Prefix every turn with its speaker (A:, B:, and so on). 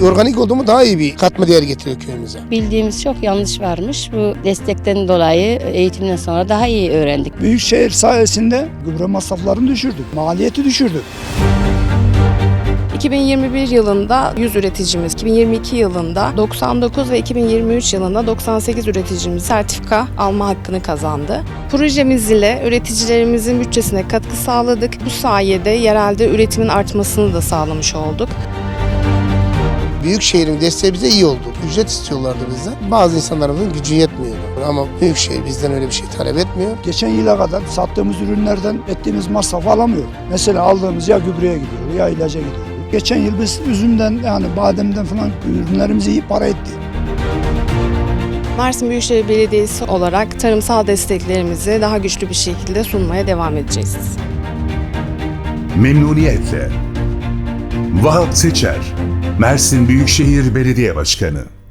A: organik oldu mu daha iyi bir katma değer getiriyor köyümüze.
B: Bildiğimiz çok yanlış varmış. Bu destekten dolayı eğitimden sonra daha iyi öğrendik.
C: Büyükşehir sayesinde gübre masraflarını düşürdük, maliyeti düşürdük.
D: 2021 yılında 100 üreticimiz, 2022 yılında 99 ve 2023 yılında 98 üreticimiz sertifika alma hakkını kazandı. Projemiz ile üreticilerimizin bütçesine katkı sağladık. Bu sayede yerelde üretimin artmasını da sağlamış olduk.
A: Büyükşehir'in desteği bize iyi oldu. Ücret istiyorlardı bizden. Bazı insanlarımızın gücü yetmiyordu. Ama Büyükşehir bizden öyle bir şey talep etmiyor.
C: Geçen yıla kadar sattığımız ürünlerden ettiğimiz masrafı alamıyoruz. Mesela aldığımız ya gübreye gidiyor ya ilaca gidiyor. Geçen yıl biz üzümden yani bademden falan ürünlerimizi iyi para ettik.
D: Mersin Büyükşehir Belediyesi olarak tarımsal desteklerimizi daha güçlü bir şekilde sunmaya devam edeceğiz.
E: Memnuniyetle. Vahap Seçer, Mersin Büyükşehir Belediye Başkanı.